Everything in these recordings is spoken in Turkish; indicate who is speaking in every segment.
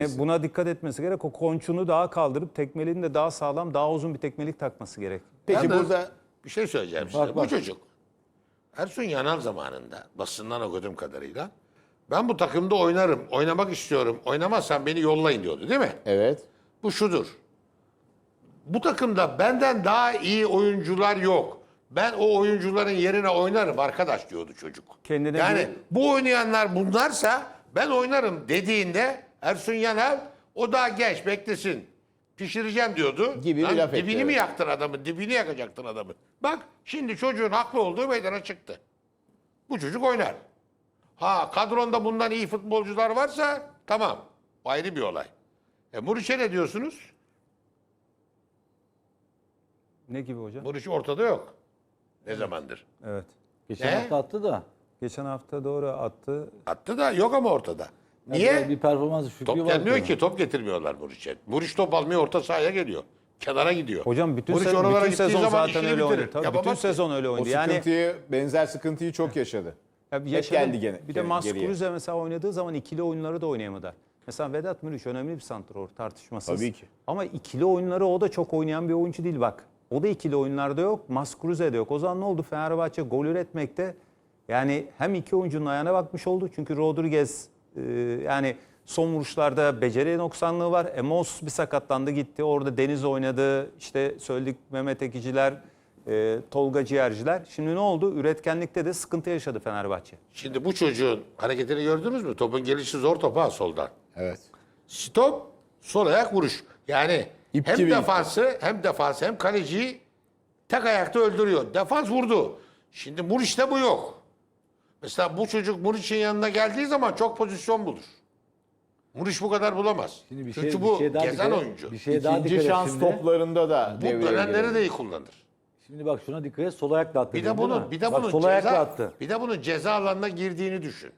Speaker 1: Buna dikkat etmesi gerek. O konçunu daha kaldırıp tekmeliğini de daha sağlam, daha uzun bir tekmelik takması gerek.
Speaker 2: Peki
Speaker 3: Yalnız
Speaker 2: burada
Speaker 3: bir şey söyleyeceğim size. Bu çocuk Ersun Yanal zamanında basından okuduğum kadarıyla ben bu takımda oynarım, oynamak istiyorum. Oynamazsan beni yollayın diyordu değil mi?
Speaker 2: evet.
Speaker 3: Bu şudur. Bu takımda benden daha iyi oyuncular yok. Ben o oyuncuların yerine oynarım arkadaş diyordu çocuk.
Speaker 1: Kendine
Speaker 3: yani
Speaker 1: güven-
Speaker 3: bu oynayanlar bunlarsa ben oynarım dediğinde Ersun Yanal o daha genç beklesin. Pişireceğim diyordu.
Speaker 2: Gibi bir
Speaker 3: Lan
Speaker 2: laf etti,
Speaker 3: dibini mi
Speaker 2: evet.
Speaker 3: yaktın adamın? Dibini yakacaktın adamı. Bak şimdi çocuğun haklı olduğu meydana çıktı. Bu çocuk oynar. Ha kadronda bundan iyi futbolcular varsa tamam. Ayrı bir olay. Muriç'e ne diyorsunuz?
Speaker 1: Ne gibi hocam?
Speaker 3: Muriç ortada yok. Ne zamandır?
Speaker 1: Evet.
Speaker 4: Geçen
Speaker 3: Ne?
Speaker 4: hafta attı da.
Speaker 1: Geçen hafta doğru attı.
Speaker 3: Attı da yok ama ortada. Niye?
Speaker 4: Yani bir performans düşüklüğü
Speaker 3: Top
Speaker 4: var.
Speaker 3: gelmiyor
Speaker 4: tabii.
Speaker 3: ki. Top getirmiyorlar Muriç'e. Muriç top almıyor orta sahaya geliyor. Kenara gidiyor.
Speaker 1: Hocam bütün,
Speaker 3: Muriç
Speaker 1: bütün
Speaker 3: oralara gittiği
Speaker 1: sezon
Speaker 3: zaman
Speaker 1: zaten
Speaker 3: işini
Speaker 1: öyle
Speaker 3: bitirir.
Speaker 1: oynadı. Tabii
Speaker 3: Yapamaz
Speaker 1: bütün
Speaker 3: ki.
Speaker 1: sezon öyle
Speaker 2: O
Speaker 1: oynadı. Yani
Speaker 2: sıkıntıyı, benzer sıkıntıyı çok yaşadı.
Speaker 1: yaşadı.
Speaker 2: geldi gene
Speaker 1: Bir de
Speaker 2: geriye.
Speaker 1: Mascuruzze mesela oynadığı zaman ikili oyunları da oynayamadı. Mesela Vedat Muriç önemli bir santrfor tartışmasız.
Speaker 2: Tabii ki.
Speaker 1: Ama ikili oyunları o da çok oynayan bir oyuncu değil bak. O da ikili oyunlarda yok. Mascuruzze'de yok. O zaman ne oldu? Fenerbahçe gol üretmekte yani hem iki oyuncunun ayağına bakmış oldu. Çünkü Rodriguez yani son vuruşlarda beceri noksanlığı var. Emos bir sakatlandı gitti. Orada Deniz oynadı. İşte söyledik Mehmet Ekiciler, Tolga Ciğerciler. Şimdi ne oldu? Üretkenlikte de sıkıntı yaşadı Fenerbahçe.
Speaker 3: Şimdi bu çocuğun hareketini gördünüz mü? Topun gelişi zor topa soldan.
Speaker 2: Evet.
Speaker 3: Stop, sol ayak vuruş. Yani
Speaker 2: İp
Speaker 3: hem
Speaker 2: gibi
Speaker 3: defansı hem kaleciyi tek ayakta öldürüyor. Defans vurdu. Şimdi Muriç'te bu yok. Mesela bu çocuk Muriç'in yanına geldiği zaman çok pozisyon bulur. Muriç bu kadar bulamaz.
Speaker 4: Şimdi bir
Speaker 3: Çünkü
Speaker 4: şey-
Speaker 3: bu
Speaker 4: bir şey daha
Speaker 3: gezen
Speaker 4: dikkat et.
Speaker 3: oyuncu.
Speaker 4: Bir şey daha
Speaker 2: İkinci
Speaker 4: dikkat et
Speaker 2: şans
Speaker 4: şimdi.
Speaker 2: toplarında da
Speaker 3: Bu
Speaker 2: devreye
Speaker 3: dönenleri
Speaker 2: giriyor.
Speaker 3: de iyi kullanır.
Speaker 4: Şimdi bak şuna dikkat et. Sol ayakla attı.
Speaker 3: Bir de
Speaker 4: değil mi?
Speaker 3: bunun
Speaker 4: Bak, sol ayakla attı.
Speaker 3: bir de bunun ceza alanına girdiğini düşün.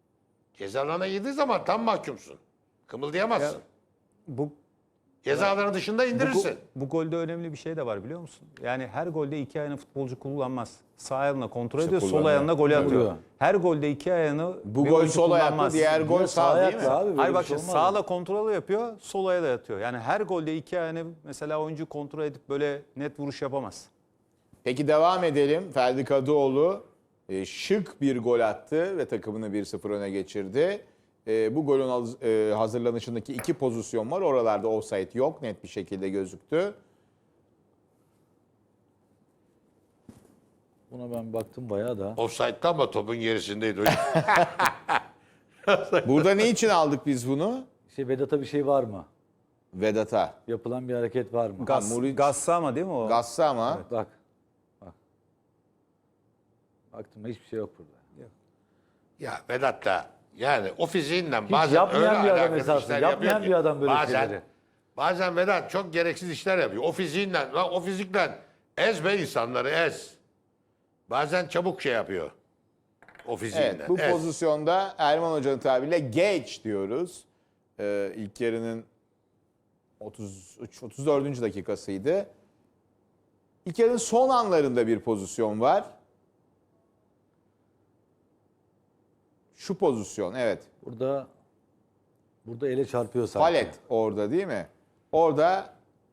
Speaker 3: Ceza alanına girdiği zaman tam mahkumsun. Kımıldayamazsın.
Speaker 1: Bu
Speaker 3: Ceza alanı dışında indirirsin.
Speaker 1: Bu golde önemli bir şey de var biliyor musun? Yani her golde iki ayağını futbolcu kullanmaz. Sağ ayağına kontrol ediyor, sol
Speaker 2: kullanıyor.
Speaker 1: ayağına golü atıyor.
Speaker 4: Vuruyor.
Speaker 1: Her golde iki ayağını
Speaker 2: Bu
Speaker 1: bir
Speaker 2: gol
Speaker 1: oyuncu
Speaker 2: sol ayaklı,
Speaker 1: kullanmaz.
Speaker 2: diğer gol sağ değil mi?
Speaker 4: ayakla abi. böyle
Speaker 1: Hayır
Speaker 4: bir
Speaker 1: bak
Speaker 4: şey
Speaker 1: şimdi
Speaker 4: olmaz.
Speaker 1: sağla kontrol yapıyor, sol ayağı da yatıyor. Yani her golde iki ayağını mesela oyuncu kontrol edip böyle net vuruş yapamaz.
Speaker 2: Peki devam edelim. Ferdi Kadıoğlu şık bir gol attı ve takımını 1-0 öne geçirdi. Bu golün hazırlanışındaki iki pozisyon var. Oralarda offside yok. Net bir şekilde gözüktü.
Speaker 4: Buna ben baktım bayağı da.
Speaker 3: Offside'da ama topun gerisindeydi hocam.
Speaker 2: Burada ne için aldık biz bunu?
Speaker 4: Vedat'a bir şey var mı?
Speaker 2: Vedat'a.
Speaker 4: Yapılan bir hareket var mı?
Speaker 2: Muriç-
Speaker 1: Gassa ama değil mi o?
Speaker 2: Gassa ama.
Speaker 4: Bak. Bak. Baktım hiçbir şey yok burada.
Speaker 3: Ya Vedat da yani o fiziğinden
Speaker 4: Hiç
Speaker 3: bazen
Speaker 4: yapmayan
Speaker 3: öyle
Speaker 4: bir adam
Speaker 3: alakalı
Speaker 4: esasında.
Speaker 3: işler
Speaker 4: Yapmayan
Speaker 3: yapıyor ki.
Speaker 4: bir adam böyle şeyleri.
Speaker 3: Bazen Vedat çok gereksiz işler yapıyor. O fiziğinden, lan o fizikle ez be insanları ez. Bazen çabuk şey yapıyor. O fiziğinden.
Speaker 2: Evet, bu
Speaker 3: ez.
Speaker 2: pozisyonda Erman Hoca'nın tabiriyle geç diyoruz. İlk yarının 34. dakikasıydı. İlk yarının son anlarında bir pozisyon var. Şu pozisyon, evet.
Speaker 4: Burada ele çarpıyor sanki.
Speaker 2: Falet orada değil mi? Orada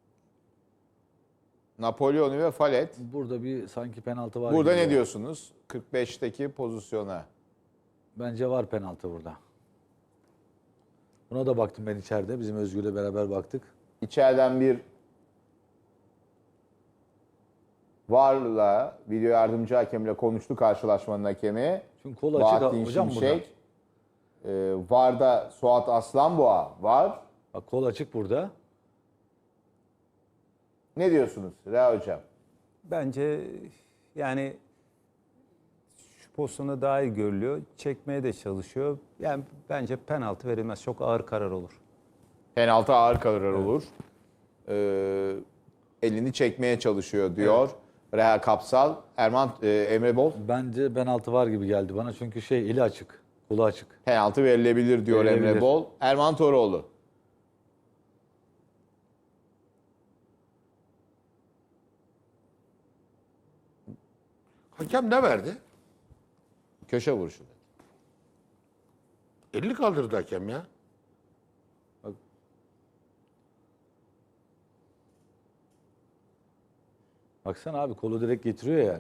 Speaker 2: Napolyon'u ve Falet.
Speaker 4: Burada bir sanki penaltı var.
Speaker 2: Burada
Speaker 4: gibi
Speaker 2: ne
Speaker 4: ya.
Speaker 2: diyorsunuz? 45'teki pozisyona.
Speaker 4: Bence var penaltı burada. Buna da baktım ben içeride. Bizim Özgür'le beraber baktık.
Speaker 2: İçeriden bir VAR'la, video yardımcı hakemle konuştu karşılaşmanın hakemi.
Speaker 4: Çünkü kol açık
Speaker 2: Bahattin
Speaker 4: hocam burada.
Speaker 2: Şimşek. VAR'da Suat Aslanboğa var.
Speaker 4: Bak kol açık burada.
Speaker 2: Ne diyorsunuz Rea Hocam?
Speaker 1: Bence yani şu pozisyonda daha iyi görülüyor. Çekmeye de çalışıyor. Yani bence penaltı verilmez. Çok ağır karar olur.
Speaker 2: Penaltı ağır karar olur. Elini çekmeye çalışıyor diyor. Reha Kapsal. Emre Bol.
Speaker 4: Bence penaltı var gibi geldi bana. Çünkü eli açık. Kolu açık.
Speaker 2: Penaltı verilebilir diyor
Speaker 4: Verilebilir.
Speaker 2: Emre Bol. Erman Toroğlu.
Speaker 3: Hakem ne verdi?
Speaker 2: Köşe vuruşu.
Speaker 3: 50 kaldırdı hakem ya.
Speaker 4: Baksana abi, kolu direkt getiriyor yani.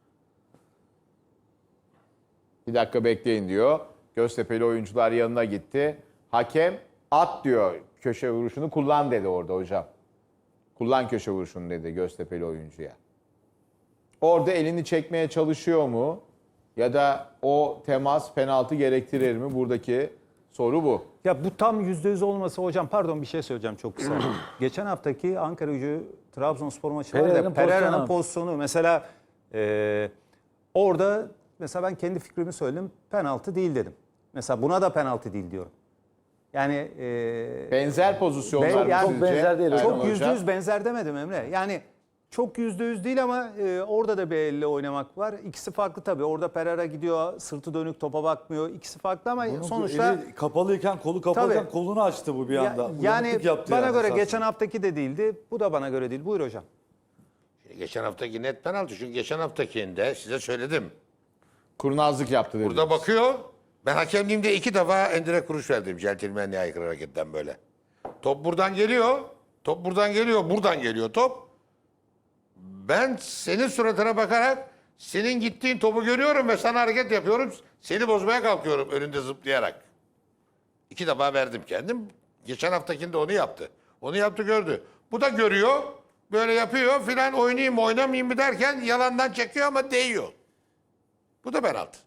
Speaker 2: Bir dakika bekleyin diyor. Göztepe'li oyuncular yanına gitti. Hakem at diyor, köşe vuruşunu kullan dedi orada hocam. Kullan köşe vuruşunu dedi Göztepe'li oyuncuya. Orada elini çekmeye çalışıyor mu? Ya da o temas penaltı gerektirir mi? Buradaki soru bu.
Speaker 1: Ya bu tam %100 olmasa hocam, pardon bir şey söyleyeceğim çok kısa. Geçen haftaki Ankaragücü Trabzonspor maçı var da Pereira'nın pozisyonu mesela orada mesela ben kendi fikrimi söyledim, penaltı değil dedim. Mesela buna da penaltı değil diyorum. Yani
Speaker 2: Benzer pozisyonlar
Speaker 1: yani
Speaker 2: mı
Speaker 4: çok
Speaker 2: sizce?
Speaker 4: benzer değil.
Speaker 2: Erman
Speaker 1: çok
Speaker 2: Hocam?
Speaker 1: %100 benzer demedim Emre. Yani çok %100 değil ama orada da bir elle oynamak var. İkisi farklı tabii. Orada Pereira gidiyor, sırtı dönük, topa bakmıyor. İkisi farklı ama sonuçta
Speaker 4: Eli kapalıyken, kolu kapalıyken
Speaker 1: Tabii.
Speaker 4: kolunu açtı bu bir anda.
Speaker 1: yani
Speaker 4: Uyanıklık yaptı
Speaker 1: bana
Speaker 4: yani
Speaker 1: göre
Speaker 4: esasında.
Speaker 1: geçen haftaki de değildi. Bu da bana göre değil. Buyur hocam.
Speaker 3: Geçen haftaki net penaltı. Çünkü geçen haftakinde size söyledim.
Speaker 2: Kurnazlık yaptı dedi.
Speaker 3: Burada bakıyor. Ben hakemliğimde 2 defa endirekt kuruş verdim. Centilmenliğe aykırı hareketten böyle. Top buradan geliyor. Top buradan geliyor. Buradan geliyor top. Ben senin suratına bakarak senin gittiğin topu görüyorum ve sana hareket yapıyorum. Seni bozmaya kalkıyorum önünde zıplayarak. 2 defa verdim kendim. Geçen haftakinde onu yaptı. Onu yaptı gördü. Bu da görüyor. Böyle yapıyor filan, oynayayım mı oynamayayım mı derken yalandan çekiyor ama değiyor. Bu da penaltı.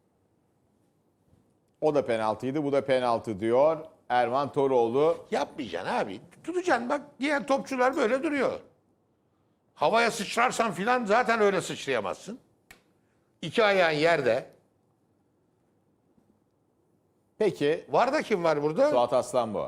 Speaker 2: O da penaltıydı, bu da penaltı diyor Erman Toroğlu.
Speaker 3: Yapmayacaksın abi. Tutacaksın bak, diğer topçular böyle duruyor. Havaya sıçrarsan filan zaten öyle sıçrayamazsın. 2 ayağın yerde.
Speaker 2: Peki
Speaker 3: Var da kim var burada?
Speaker 2: Suat Aslanboğa.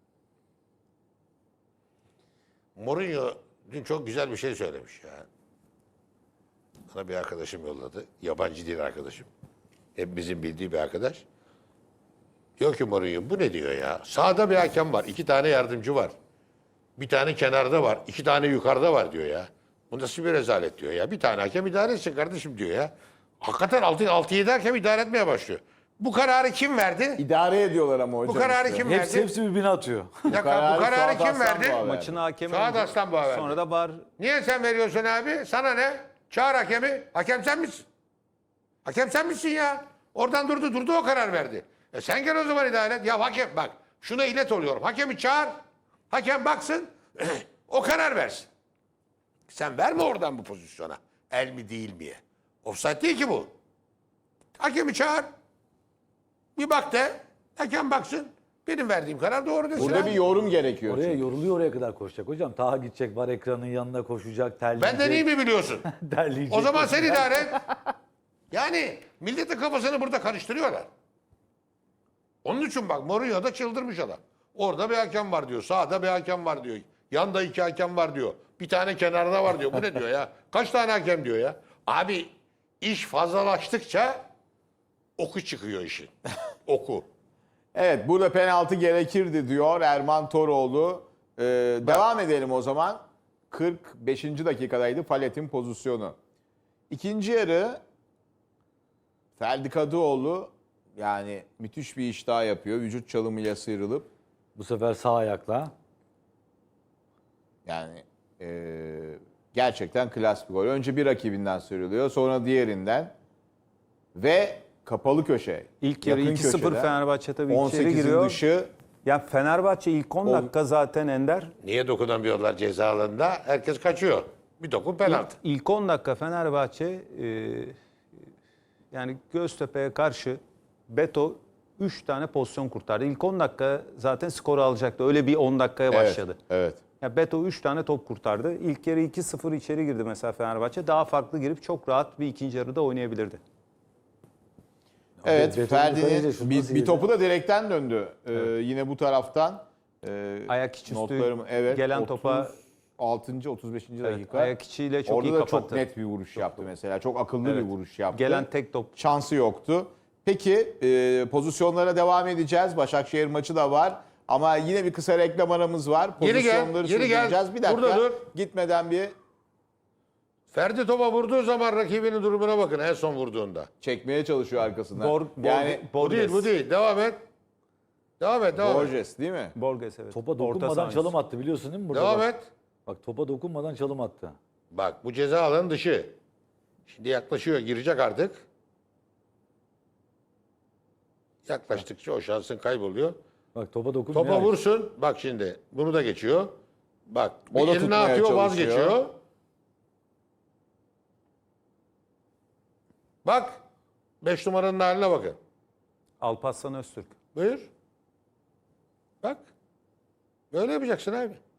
Speaker 3: Mourinho dün çok güzel bir şey söylemiş ya. Bana bir arkadaşım yolladı. Yabancı değil arkadaşım. Hepimizin bildiği bir arkadaş. Diyor ki Mourinho, bu ne diyor ya? Sağda bir hakem var. 2 tane yardımcı var. Bir tane kenarda var. 2 tane yukarıda var diyor ya. Bu nasıl bir rezalet diyor ya. Bir tane hakem idare etsin kardeşim diyor ya. Hakikaten 6-7 hakem idare etmeye başlıyor. Bu kararı kim verdi?
Speaker 2: İdare ediyorlar ama hocam.
Speaker 3: Bu kararı
Speaker 2: işte.
Speaker 3: kim
Speaker 4: Hepsi
Speaker 3: verdi?
Speaker 4: birbirine atıyor.
Speaker 3: Bu kararı kim verdi?
Speaker 1: Maçın hakemi
Speaker 3: Suat
Speaker 1: önce,
Speaker 3: Aslanboğa verdi.
Speaker 1: sonra da VAR.
Speaker 3: Niye sen veriyorsun abi? Sana ne? Çağır hakemi. Hakem sen misin? Hakem sen misin ya? Oradan durdu o karar verdi. Sen gel o zaman idare et. Ya hakem bak, şuna ilet oluyorum. Hakemi çağır. Hakem baksın. O karar versin. Sen verme oradan bu pozisyona. El mi değil miye? Offside değil ki bu. Hakemi çağır. Bir bak de. Hakem baksın. Benim verdiğim karar doğru desin.
Speaker 2: Burada
Speaker 3: abi.
Speaker 2: bir yorum gerekiyor.
Speaker 4: Oraya
Speaker 2: çünkü.
Speaker 4: yoruluyor, oraya kadar koşacak hocam. Taha gidecek, var ekranın yanına koşacak, terleyecek.
Speaker 3: Benden iyi mi biliyorsun?
Speaker 4: Terleyecek.
Speaker 3: O zaman sen idare et. Yani milletin kafasını burada karıştırıyorlar. Onun için bak, Mourinho da çıldırmış adam. Orada bir hakem var diyor. Sağda bir hakem var diyor. Yanda 2 hakem var diyor. Bir tane kenarda var diyor. Bu ne diyor ya? Kaç tane hakem diyor ya? Abi iş fazlalaştıkça oku çıkıyor işin. Oku.
Speaker 2: Evet, burada penaltı gerekirdi diyor Erman Toroğlu. Devam edelim o zaman. 45. dakikadaydı Falet'in pozisyonu. İkinci yarı Ferdi Kadıoğlu yani müthiş bir iş daha yapıyor. Vücut çalımıyla sıyrılıp
Speaker 4: Bu sefer sağ ayakla.
Speaker 2: yani gerçekten klas bir gol. Önce bir rakibinden sıyrılıyor, sonra diğerinden ve kapalı köşe.
Speaker 1: İlk yarı
Speaker 2: yakın
Speaker 1: 2-0
Speaker 2: köşeden,
Speaker 1: Fenerbahçe tabii içeri
Speaker 2: 18'in
Speaker 1: giriyor.
Speaker 2: dışı.
Speaker 1: Ya Fenerbahçe ilk 10 dakika zaten Ender.
Speaker 3: Niye dokunamıyorlar ceza alanında? Herkes kaçıyor. Bir dokun penaltı.
Speaker 1: İlk 10 dakika Fenerbahçe yani Göztepe'ye karşı Beto 3 tane pozisyon kurtardı. İlk 10 dakika zaten skoru alacaktı. Öyle bir 10 dakikaya başladı.
Speaker 2: Evet.
Speaker 1: Ya Beto 3 tane top kurtardı. İlk yarı 2-0 içeri girdi mesela Fenerbahçe. Daha farklı girip çok rahat bir ikinci yarıda oynayabilirdi.
Speaker 2: Evet,
Speaker 4: Beton'un yukarıya
Speaker 2: Ferdi'nin
Speaker 4: şut
Speaker 2: bir
Speaker 4: nasıl
Speaker 2: topu da direkten döndü. Yine bu taraftan.
Speaker 1: Ayak içi üstü
Speaker 2: Notlarım, evet,
Speaker 1: gelen topa
Speaker 2: 36. 35. dakika.
Speaker 1: ayak içiyle çok
Speaker 2: Orada
Speaker 1: iyi
Speaker 2: da
Speaker 1: kapattı.
Speaker 2: çok net bir vuruş yaptı mesela. Çok akıllı bir vuruş yaptı.
Speaker 1: Gelen tek top.
Speaker 2: Şansı yoktu. Peki pozisyonlara devam edeceğiz. Başakşehir maçı da var. Ama yine bir kısa reklam aramız var.
Speaker 3: Geri gel,
Speaker 2: Pozisyonları
Speaker 3: geri gel.
Speaker 2: sürdüreceğiz. Bir dakika.
Speaker 3: Burada dur.
Speaker 2: Gitmeden bir
Speaker 3: Ferdi topa vurduğu zaman rakibinin durumuna bakın en son vurduğunda.
Speaker 2: çekmeye çalışıyor arkasından.
Speaker 3: Bu değil, bu değil. Devam et. Devam et, devam et.
Speaker 2: Borges değil mi?
Speaker 1: Borges evet.
Speaker 4: Topa
Speaker 1: Orta
Speaker 4: dokunmadan
Speaker 1: saha
Speaker 4: çalım attı biliyorsun değil mi burada?
Speaker 3: Devam
Speaker 4: bak.
Speaker 3: et.
Speaker 4: Bak topa dokunmadan çalım attı.
Speaker 3: Bak bu ceza alanı dışı. Şimdi yaklaşıyor, girecek artık. Yaklaştıkça o şansın kayboluyor.
Speaker 4: Bak topa dokunmuyor.
Speaker 3: Topa vursun. Bak şimdi bunu da geçiyor. Bak
Speaker 2: O
Speaker 3: bir
Speaker 2: da
Speaker 3: eline
Speaker 2: tutmaya
Speaker 3: atıyor,
Speaker 2: çalışıyor.
Speaker 3: vazgeçiyor. Bak 5 numaranın haline bakın.
Speaker 1: Alparslan Öztürk.
Speaker 3: Buyur. Bak. Böyle yapacaksın abi.